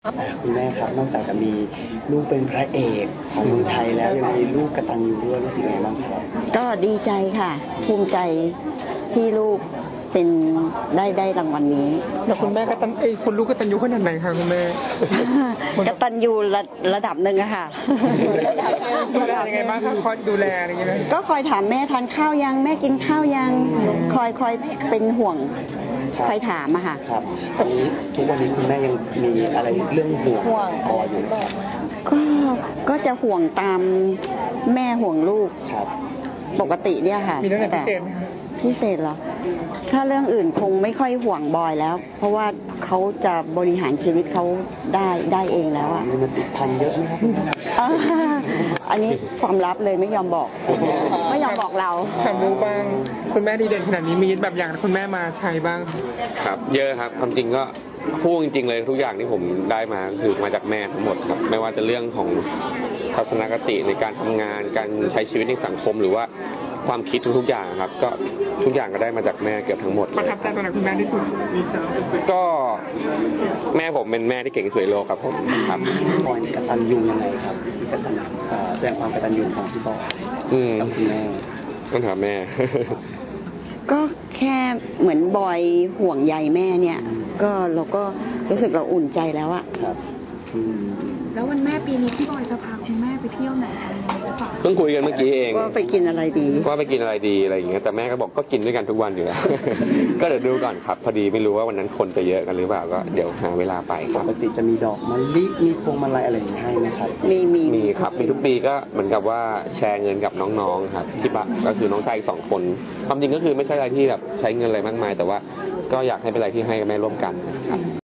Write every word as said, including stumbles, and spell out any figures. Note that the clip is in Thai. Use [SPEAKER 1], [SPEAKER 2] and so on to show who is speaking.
[SPEAKER 1] คุณแม่ครับนอกจากจะมีลูกเป็นพระเอกของเมืองไทยแล้วยังมีลูกกตัญญูด้วยรู้สึกยังไงบ้างครับ
[SPEAKER 2] ก็ดีใจค่ะภูมิใจที่ลูกเป็นได้ได้รางวัลนี้
[SPEAKER 3] แล้วคุณแม่กตัญเอ้คุณลูกกตัญญูขนาดไหนคะคุณแม่
[SPEAKER 2] กตัญญูระระดับหนึ่งอะค่ะ
[SPEAKER 3] ดูแลยังไงบ้างคะคอยดูแลอะไรอย่างเงี้ย
[SPEAKER 2] ก็คอยถามแม่ทานข้าวยังแม่กินข้าวยังคอยคอยเป็นห่วงคอยถามอะค่ะ
[SPEAKER 1] ครับตอนนี้ทุกวันนี้คุณแม่ยังมีอะไรเรื่องห่วงพออยู่
[SPEAKER 2] ก็ก็จะห่วงตามแม่ห่วงลูก
[SPEAKER 1] ครับ
[SPEAKER 2] ปกติเนี่ยค่ะ
[SPEAKER 3] มีเรื่องอะไรพิเศษไหมคะ
[SPEAKER 2] พิเศษเหรอถ้าเรื่องอื่นคงไม่ค่อยห่วงบอยแล้วเพราะว่าเขาจะบริหารชีวิตเขาได้ได้เองแล้วอ่ะ
[SPEAKER 1] มันติดพันเยอะไหมครับ
[SPEAKER 2] อันนี้ความลับเลยไม่ยอมบอกไม่ยอมบอกเรา
[SPEAKER 3] ถามรู้บ้างคุณแม่ดีเด่นขนาดนี้มีแบบอย่างคุณแม่มาใช้บ้าง
[SPEAKER 4] ครับเยอะครับความจริงก็พูดจริงๆเลยทุกอย่างที่ผมได้มาคือมาจากแม่ทั้งหมดครับไม่ว่าจะเรื่องของทัศนคติในการทำงานการใช้ชีวิตในสังคมหรือว่าความคิดทุกๆอย่างครับก็ทุกอย่างก็ได้มาจากแม่เกือบทั้งหมด
[SPEAKER 3] ประทับใจตรงไหนคุณแม่ที่สุด
[SPEAKER 4] ก็แม่ผมเป็นแม่ที่เก่งที่สุดในโลกครับผมครับ
[SPEAKER 1] บอยกตัญญูยังไงครับที่กตัญแสดงความกตัญญูของพี่บอยกับคุณแม่
[SPEAKER 4] ต้องถามแม่
[SPEAKER 2] ก็แค่เหมือนบอยห่วงใยแม่เนี่ยก็เราก็รู้สึกเราอุ่นใจแล้วอะ
[SPEAKER 1] ครับ
[SPEAKER 5] แล้ววันแม่ปีนี้พี่บอยจะพาคุณแม่ไปเที่ยวไหนหรือเปล่า
[SPEAKER 4] เพิ่งคุยกันเมื่อกี้เอง
[SPEAKER 2] ว่าไปกินอะไรดี
[SPEAKER 4] ว่าไปกินอะไรดีอะไรอย่างเงี้ยแต่แม่ก็บอกก็กินด้วยกันทุกวันอยู่แล้วก็เดี๋ยวดูก่อนครับพอดีไม่รู้ว่าวันนั้นคนจะเยอะกันหรือเปล่าก็เดี๋ยวหาเวลาไป
[SPEAKER 1] ปกติจะมีดอกมะลิมีพวงมาลัยอะไรอย่างเงี้ยให้ไหมครับ
[SPEAKER 2] มีมี
[SPEAKER 4] มีครับมีทุกปีก็เหมือนกับว่าแชร์เงินกับน้องๆครับที่บ้านก็คือน้องชายอีกสองคนความจริงก็คือไม่ใช่อะไรที่แบบใช้เงินอะไรมากมายแต่ว่าก็อยากให้เป็นอะไรที่ให้กับแม่ร่วมกันครับ